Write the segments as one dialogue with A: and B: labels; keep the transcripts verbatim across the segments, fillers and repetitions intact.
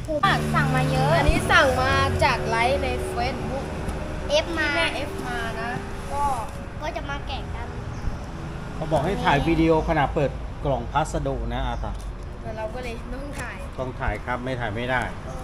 A: ผมสั่งมาเยอะอันนี้สั่งมาจากไลฟ์ในเฟซบุ๊กเอฟมาแม่เอฟมานะก็ก็จะมาแกะกัน
B: เขาบอกให้ถ่ายวิดีโอขณะเปิดกล่องพัสดุนะอาตา
A: แต่เราก็เลยต้องถ่าย
B: ต้องถ่ายครับไม่ถ่ายไม่ได้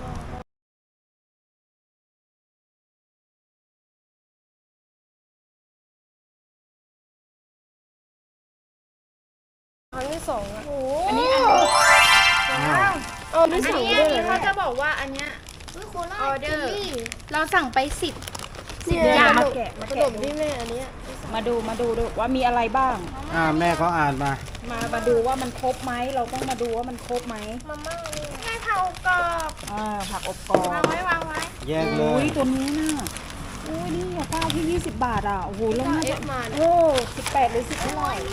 A: ครั้งที่สองอ่ะ
C: อันนี้อันนี้
A: เอออันนี้อันนี้เขาจะบอกว่าอันเนี้ยออเดอร์เราสั่งไปสิบสิบอย่าง
C: มาแกะมา
A: ขน
C: แกะ
A: มที่แม่อันนี้
C: มาดูมาดูดูว่ามีอะไรบ้าง
B: อ่าแม่เขาอ่านมา
C: มามาดูว่ามันครบไหมเราต้องมาดูว่ามันครบไหม
A: มาม่าแม่ผักอบกรอบ
C: อ่าผักอบกรอบ
A: วางไว้วางไว้
B: แยกเลย
C: อุ้ยตัวนี้น่ะอุ้ยนี่อ่ะเก้าที่ยี่สิบบาทอ่ะโอ้โหแล้วน่าจะโอ้สิบแปดหรือสิบเท่าไหร่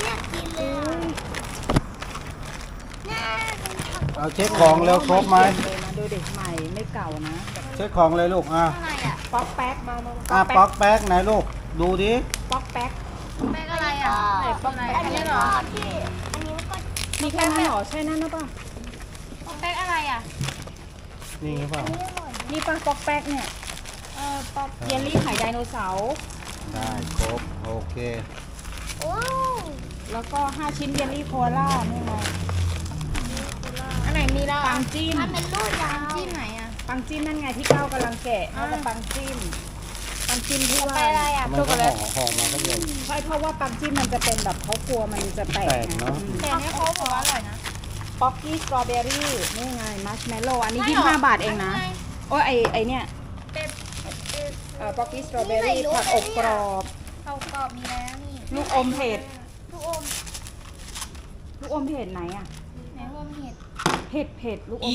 B: เอาเช็คของแล้วครบไหม
C: มาดูเด็กใหม่ไม่เก่านะ
B: เช็คของเลยลูกอ่ะ
C: ป๊อกแป๊กมา
B: อ่ะป๊อกแป๊กไหนลูกดูดิ
C: ป๊อกแป๊ก
A: แม่อะไรอ่ะไหนป๊อกแป๊กอันนี้เหรอที่อันนี้ก็
C: มีแค่นั้นเหรอใช่นั่นนะป่ะ
A: ป๊อกแป๊กอะไรอ่ะ
B: นี่ไงป่ะ
C: นี่ป่ะป๊อกแป๊กเนี่ยเออป๊อกเยลลี่ไข่ไดโนเสาร์
B: ได้ครบโอเค
A: โอ้
C: แล้วก็ห้าชิ้นเยลลี่โคล่านี่ไง
A: อันไหนมีแล้ว
C: ปังจิ้ม
A: มันเป็นลูกยาวจิ้มไหนอ่ะ
C: ปังจิ้มนั่นไงที่เก้ากำลังแกะแล้วก็ปังจิ้มปังจิ้มที่ว่า
A: อะไรอ่ะ
B: มันก็ห่อห่อมาก็เลย
C: ใช่เพราะว่าปังจิ้มมันจะเป็นแบบเขากลัวมันจะแตก
B: เนาะ
A: แต่เนี่ยเขาบอกว่าอร่อยนะ
C: ป๊อกกี้สตรอเบอรี่นี่ไงมัชเมลโล่อันนี้ยี่สิบห้าบาทเองนะโอ้ยไอไอเนี่ยเอ่อป๊อกกี้สตรอเบอรี่ผักอบกรอบ
A: ผักอบกรอบมีแล้วนี่
C: ลูกอมเผ็ด
A: ลูกอม
C: ลูกอมเผ็ดไหนอ่ะ
A: ไหนอมเผ็ด
C: เผ็ดเผ็ดลูกอม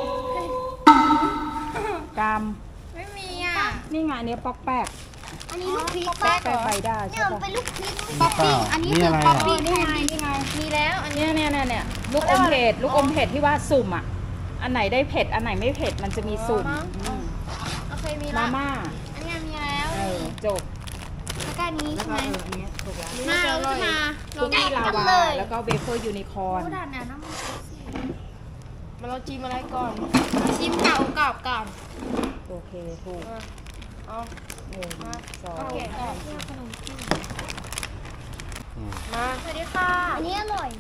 C: กาม
A: ไม่มีอ่ะ
C: นี่ไงอันนี้ป๊อกแป๊ก
A: อันนี้ลูกพริก
C: แป๊กแป๊กใบด้าใช่
A: ปะเนี่ยเป็นลูกพริก
B: ป๊อกปี้
A: อันนี้คือป๊อกปี้
C: นี่ไงนี่ไง
A: มีแล้วอันนี้
C: เนี่ยเนี่ยเนี่ยลูกอมเผ็ดลูกอมเผ็ดที่ว่าสุ่มอ่ะอันไหนได้เผ็ดอันไหนไม่เผ็ดมันจะมีสุ่ม
A: โอเคมี
C: มาม่า
A: อันนี้มีแล้ว
C: จบ
A: แล้วก็นี้
C: ใช่ไหมอันนี้ถูกแล้ว
A: มาเราจะมา
C: คุกกี้ลาวาแล้วก็เวเฟอร์ยูนิคอร์น
A: มาเราจิ้มอะไรก่อนจิ้มเก่ากรอบก่อน
C: โอเคถูก
A: เอา
C: หนึ่งสอง
A: ขนมจีนมาสวัสดีค่ะอันนี้อร่อย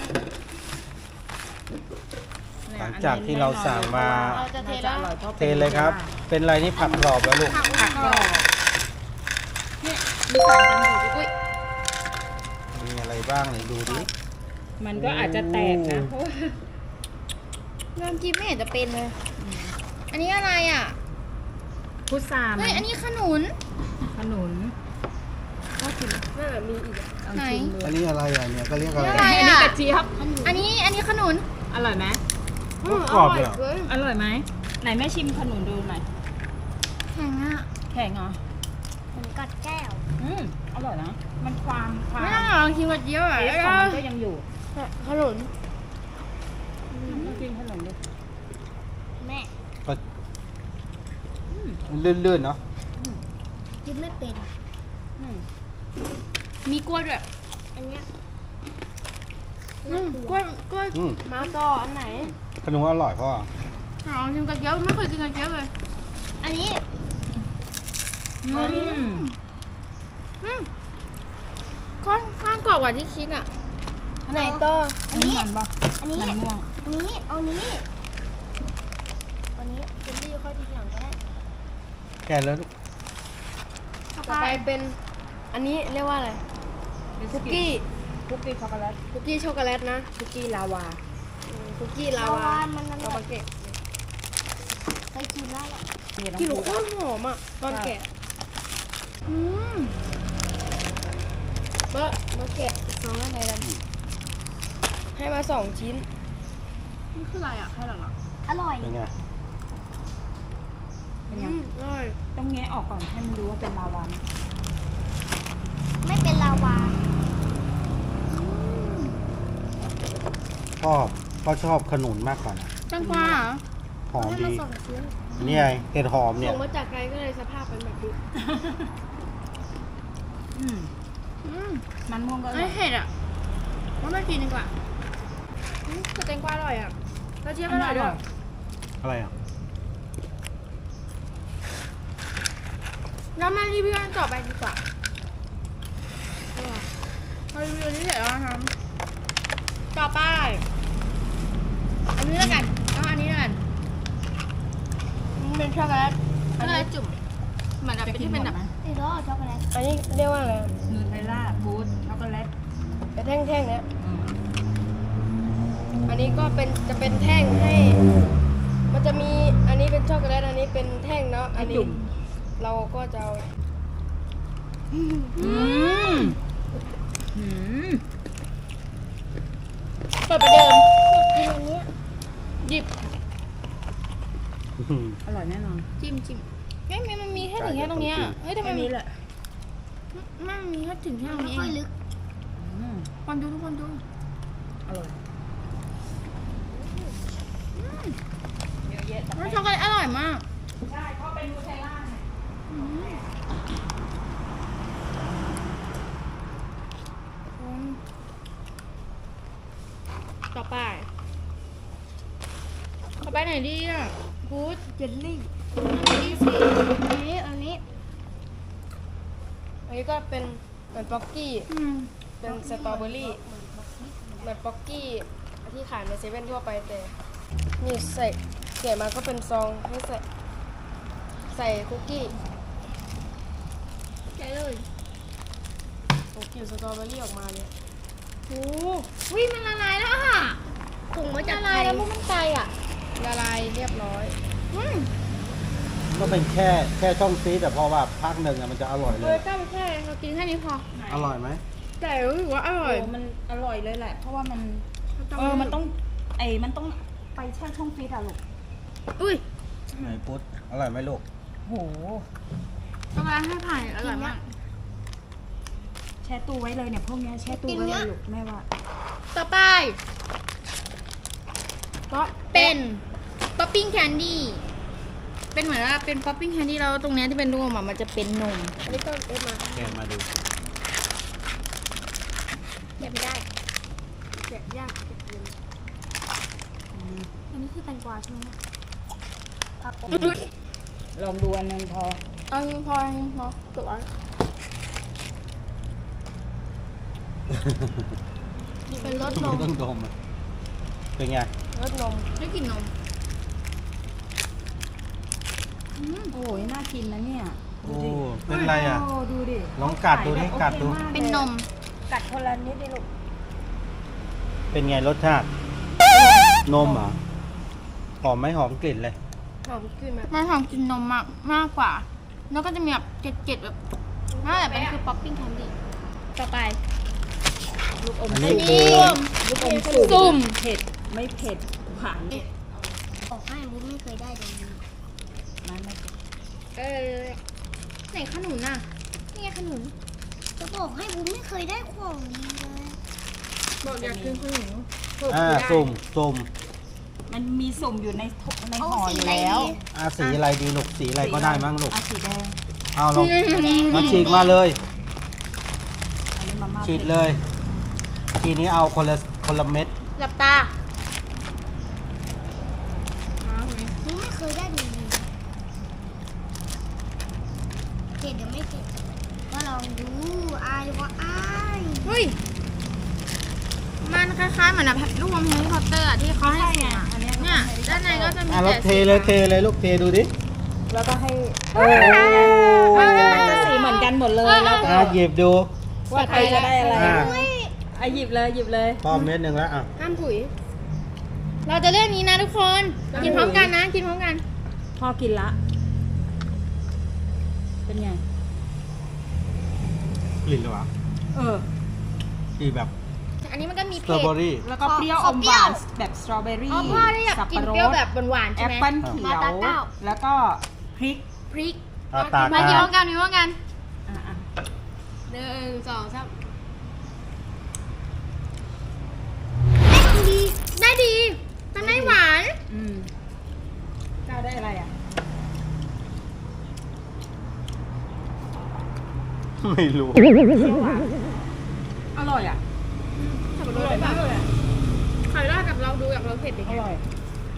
B: หลังจากที่เราสั่งมาเทเลยครับเป็นอะไรนี่ผักกรอบแล้วลูก
C: ผักกรอบ
A: เนี่ยมีสารกันอยู่ด้วย
B: มีอะไรบ้างไหนดูดิ
C: มันก็อาจจะแตกนะ
A: น้ำจิ้มไม่เห็นจะเป็นเลยอันนี้อะไรอ่ะ
C: พุทรา
A: เฮ้ยอันนี้ขนุน
C: ขนุน
A: ก็กินน่ามีอีกไหน
B: อันนี้อะไรอ่ะเนี่ยก็เรียกอะไร
C: อันนี้กระเจี๊ยบ
A: อันนี้อันนี้ขนุน
C: อร่อยไหม
B: กรอบเลย
C: อร่อยไหมไหนแม่ชิมขนุนดูหน่อย
A: แข็งอ่ะ
C: แข็งเหรอ
A: เหมือนกัดแก้ว
C: อืมอร่อยนะมันความความ
A: ไม่ต้องลองชิมกระเจี๊ยบอ่ะ
C: เอฟของมันก็ยังอยู่
A: ขนุน
C: กินขนมดิ
A: แม่
B: ลื่นๆเนาะ
A: กินไม่เป็นมีกล้วยด้วยอันเนี้ยกล้วยกล้วยมาต่ออันไหน
B: ขนมอร่อยพ่อ
A: ลองชิมกระเจี๊ยบไม่เคยกินกระเจี๊ยบเลยอันนี้
C: อืม
A: อืมก้อนก้อนกรอบกว่าที่คิดอ่ะอันไหนต่ออันนี้อันนี้อันนี้อันนี้เอานี้วันนี้เป็นที่ค่อยทีหลังก็ได้
B: แก่แล้ว
A: ต่อไปเป็นอันนี้เรียกว่าอะไรคุกกี้
C: คุกกี้ช็อกโกแลต
A: คุกกี้ช็อกโกแลตนะ
C: คุกกี้ลาวา
A: คุกกี้ลาวามันมันเราแกะเคยกินแล้วกินโคตรหอมอ่ะตอนแกะอืมเมื่อเมื่อแกะสองอะไรกันให้มาสองชิ้นนี่คืออะไรอ่ะให้หรออร่อย
B: เป็นไง
C: เป็นไง
A: อร่อย
C: ต้องแงะออกก่อนให้มันรู้ว่าเป็นลาวา
A: ไม่เป็นลาวา
B: พ่อพ่อชอบขนุนมากกว่านะ
A: แตงกวาเหรอ
B: หอมดีนี่ไงเห็ดหอมเนี่ย
A: ส่งมาจากไกลก็เลยสภาพเป็นแบบนี้
C: มันม่วงก็
A: ไม่เผ็ดอ่ะว่าไม่กินดีกว่าแตงกวาอร่อยอ่ะกระเจี๊ยบอร่อยด้วย
B: อะไรอ่ะ
A: แล้วมารีวิวอันต่อไปดีกว่าพอรีวิวนี้เสร็จแล้วนะครับต่อไปอันนี้แล้วกันเอาอันนี้แล้วกันเป็นช็อกโกแลตช็อกโกแลตจุ่มเหมือนแบบเป็นที่เป็นแบบ
D: อีกแล้วช็อกโกแลต
A: อันนี้เรียกว่าอะไร
C: นูเทลล่าบูสช็อกโกแลต
A: เป็นแท่งๆเนี้ยอันนี้ก็เป็นจะเป็นแท่งให้ มันจะมีอันนี้เป็นช็อกโกแลตอันนี้เป็นแท่งเนาะอันนี้เราก็จะเอา
C: อืมอืม
A: เปิดประเดิม
D: กินอันเนี้ย
A: หยิบ
C: อร่อยแน่นอน
A: จิ้มจิ้มเฮ้ยมันมีแค่ถึงแค่ตรงเนี้ยเฮ้ยทำไม
C: แค่
A: มี
C: นี้แหละ
A: มันมีแค่ถึงแค่ตรง
D: ไม่
A: นี้
D: ค่อยลึก
C: อืม
A: คนดูทุกคนดู
C: อร่อยเยอะแยะ
A: รสช็อกโกแลตอร่อยมาก
C: ใช่เพราะเป็นนูเทลล่าไง
A: ต่อไปต่อไปไหนดีอ่ะกูดเจลลี่อันนี้สิ
D: อันนี้อันนี้
A: อันนี้ก็เป็นเหมือนป๊อกกี้
C: อืม
A: เป็นสตรอเบอรี่เหมือนป๊อกกี้ที่ขายในเซเว่นทั่วไปแต่นี่ใส่เกี่ยมาก็เป็นซองให้ใส่ใส่คุกกี้
D: ใช่เลย
A: คุกกี้สตรอเบอรี่ออกมาเนี่ย
D: โอ้วิมันละลายแล้วอ่ะถุงมาจาก
A: ละ
D: ไท
A: ลาย
D: ย
A: แล้วมันไกลอ่ะละลายเรียบร้อยอืม
B: ก็เป็นแค่แค่ช่องซีแต่พอแบบพักหนึ่งอะมันจะอร่อยเล
A: เลย ยกล้าไปแค่เรากินแค่นี้พอ
B: อร่อยไหม
A: แต่รู้สึกว่าอร่อย
C: โอ้มันอร่อยเลยแหละ เพราะว่ามันเออมันต้องไอ้มันต้องไปแช่ช่องฟรีซอะลูก
A: อุ้ย
B: ไหนพุทธอร่อยไหมลูก
C: โห
A: ช็อกโกแลตให้ผ่านอร่อยมาก
C: แช่ตู้ไว้เลยเนี่ยพวกเนี้ยแช่ตู้ไว้เลยลูกแม่ว่า
A: ต่อไปก็เป็นป๊อปปิ้งแคนดี้เป็นเหมือนว่าเป็นป๊อปปิ้งแคนดี้แล้วตรงเนี้ยที่เป็นรูปอะมันจะเป็นนมอันนี้ก็เอฟมา
B: แกะมาดู
D: เก็บไม่ได้
A: แกะยากแกะเย็นอันนี้คือแตงกวาใช่ไหม
D: ครับผม
C: ลองดูอันนึงพอ
A: เอาพอพอจบแล้วเป็นรสน
B: ไม่
A: ม
B: ต้องดมอะเป็นไง
A: รสนมไม่กลิ่นนม
C: โอ้ยน่ากินนะเนี่ย
B: โอ้เป็นไรอ่ะ
C: โอ้ดูดิ
B: ลองกัดดูดิ
C: ขายแบบ
B: กัดดู
C: โอคมาลย
A: เป็นนม
C: กัดคนละนิดดิลูก
B: เป็นไงรสชาติ นมเหรอหอมไหมหอมกลิ่นเลย
A: หอมกลิ่นแบบมันหอมกลิ่นนมมากมากกว่า แล้วก็จะมีแบบเจ็ดๆแบบนั่นแหละเป็นคือป๊อปปิ้งแคนดี้ต่อไป
C: ลูกอม
B: อันนี้
C: สุ่ม
B: คือ
C: ลูกอม
A: สุ่
C: สุ่
A: ม
C: มเผ็ดไม่เผ็ดหวาน
D: บอกให้วุ้นไม่เคยได้เลย
C: มันไม่เผ็ด
A: เออไหนขนุนอ่ะนี่ไงขนุน
D: จะบอกให้วุ้นไม่เคยได้ของนี้เลย
A: บอกอยากกินขนุน
B: อ่าสุ่มสุ่ม
C: มันมีสุ่มอยู่ในถุใน
D: เอา
C: ห่อ
D: สี
C: อยู่
D: อะไร
C: แล้ว
D: ดี
B: อ่าสีอะไรดีลูกสีอะไรก็ได้มั้งลูก
C: อ่ะสีแดง
B: เอาลองมาฉีกมาเลย
C: อันนี้มาม่า
B: ฉีดเลย ทีนี้เอาคนละคนละเม็ด
A: หลับตา
D: วุ้นไม่เคยได้ดูเลยเผ็ดเดี๋ยวไม่เผ็ดก็ลองดูอายว่าอาย
A: เฮ้ยมันคล้ายๆเหมือนแบบลูกอมแฮร์รี่พอตเตอร์อะที่เขาให้เสียงอะเนี่ยด้านในก็จะมี
B: อ่ะเรา
A: แต่
B: เทเลยเทเลยลูกเทดูดิ
C: แล้วก็ให้
B: โอ้
C: มันมันจะสีเหมือนกันหมดเลยแล้วก็
B: อ่ะหยิบดู
C: ว่าใครจะได้อะไร
B: อ่ะ
C: อ่ะหยิบเลยหยิบเลย
B: พอเม็ดหนึ่งแล้วอ่ะ
A: ห้ามถุย เราจะเลือกนี้นะทุกคน กินพร้อมกันนะ กินพร้อมกัน
C: พอกินละ เป็นไง
B: กลิ่นหรอวะ
C: เออ
B: กลิ่นแบบ
A: อันนี้มันก็มี
B: สตรอ
A: เผ็ด
B: เบอรี่
C: แล้วก็เปรี้ยวอมหวานแบบสตรอเบอรี่
A: อ๋อพ่อได้อยาก
C: สับ
A: กิ
C: ปะ
A: น
C: ร
A: เปรี้ยว
C: ด
A: แบบหวานๆ
C: แอ
A: ใช่
C: ป
A: ไหม
C: เปิ้ลเขียว แล้วก็พริก
A: พริก
B: อ่ะตาก
A: มากินพร้อม
B: อ่ะ
A: กันกินพร้อมกัน
C: อ่ะอ่ะ
A: หนึ่งสองสามได้ดีทำได้หวาน
C: อืมก้าวได้อะไรอ่ะ
B: ไม่รู้
C: เปรี้ยวหวานอร่อยอ่ะ
A: ขับรถได้ปะขายได้กับเราดูกับเราเผ็ดดิ
C: อร่อย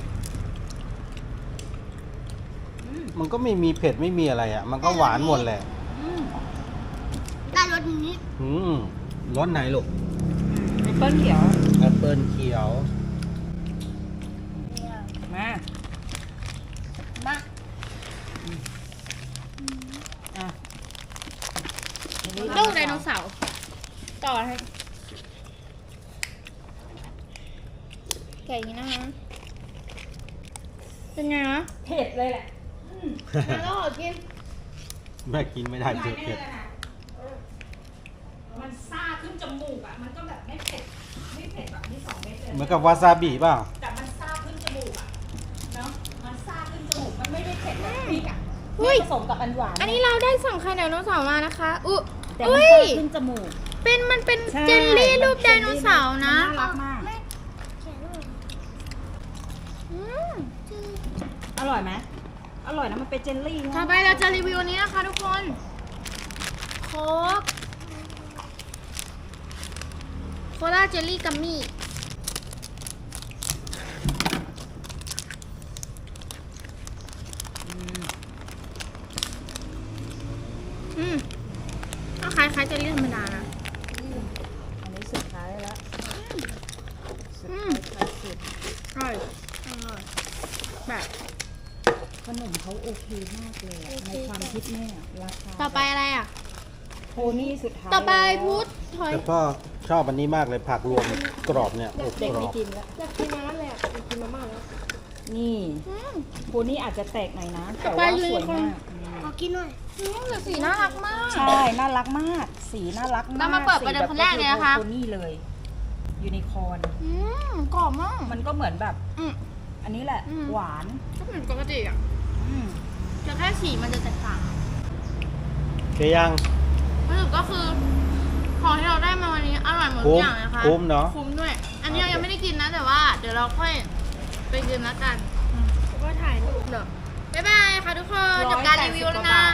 B: มันก็ไม่มีเผ็ดไม่มีอะไรอ่ะ มันก็หวานหมดแหละ
C: อ
D: สนี้
B: อืมรสไหนลูก
C: แอปเปิ้ลเขียว
B: แอปเปิลเขียว
C: มา
D: มา
C: อ่ะ
A: ลูกไดโนเสาร์ต่อให้แกะอย่างนี้นะคะเป็นไงนะ
C: เผ็ดเลยแหละ
A: แล้วขอกิน
B: แม่กินไม่ได้เผ็ดเผ็ด
C: มันซ่าขึ้นจมูกอ่ะ มันก็แบบไม่เผ็ด ไม่เผ็ดแบบนี้สองเม็ดเลย
B: เหมือนกับวาซาบิเปล่า
C: แต่มันซ่าขึ้นจมูกอ่ะ เนาะ มันซ่าขึ้นจมูก มันไม่ได้เผ็ดแบบพริกอ่ะ
A: อุ้ย
C: ผสมกับอันหวาน
A: อันนี้เราได้สั่งไข่ไดโนเสาร์มานะคะอุ๊ย
C: แต่มัน
A: อุ้
C: ซ่าย ขึ้นจมูก
A: เป็นมันเป็น
C: ใช่
A: เจลลี่รูปไดโนเสาร์นะ
C: น่ารักมาก
A: อืม
C: อร่อยไหมอร่อยนะ มันเป็นเจลลี่นะ
A: ต่อไปเราจะรีวิวอันนี้นะคะทุกคนโค้กโคลาเจลลี่กัมมี่อืมก็คล้ายคล้ายๆเจลลี่ธรรมดานะ
C: อันนี้สุดท้ายแล้ว
A: อืม
C: ท้ายสุด
A: อร่อยอร่อยแบบ
C: ขนมเขาโอเคมากเลยอะในความคิดแม่อะราคา
A: ต่อไปอะไรอ่ะ
C: โพนี่สุดท้าย
A: ต่อไป
C: แล้ว
A: พุทธถอย
B: แล้วก็ชอบอันนี้มากเลยผักรวมกรอบเนี่ยอบ
C: เด็ก
B: กร
C: ไม่
B: อบ
C: กินแล้ว
A: อยากกินมาแล้วแหละอยากกินมาม่าแล้ว
C: นี่
A: อืม
C: โพนี่อาจจะแตกหน่อยนะ
A: ต่
C: แต่
A: อไป
C: ว่า
A: ยู
C: ส
A: นิ
C: วย
A: คอร์น
C: มาก
D: ขอกินหน่อย
A: อืมแต่สีน่ารักมาก
C: ใช่ น่ารักมาก สีน่ารักมาก
A: เรามาเปิดประเดิมคนแรกเลยนะคะ
C: โพนี่เลยยูนิคอร์น
A: อืมกรอบมาก
C: มันก็เหมือนแบบ
A: อืม
C: อันนี้แหละ
A: อืม
C: หวาน
A: ก็เหมือนปกติอ่ะ
C: อืม
A: แต่แค่สีมันจะแตกต่าง
B: เกยัง
A: สรุปก็คือของที่เราได้มาวันนี้อร่อยหมดทุ
B: คุ้
A: ก
B: ม
A: อย่างเลยนะคะ
B: คุ้มเนาะ
A: คุ้มด้วย อันนี้เรายังไม่ได้กินนะแต่ว่า เดี๋ยวเราค่อยไปกินแล้วกันแล้วก็ถ่ายรูปเนาะบ๊ายบายค่ะทุกคนจบการรีวิวแล้วนะ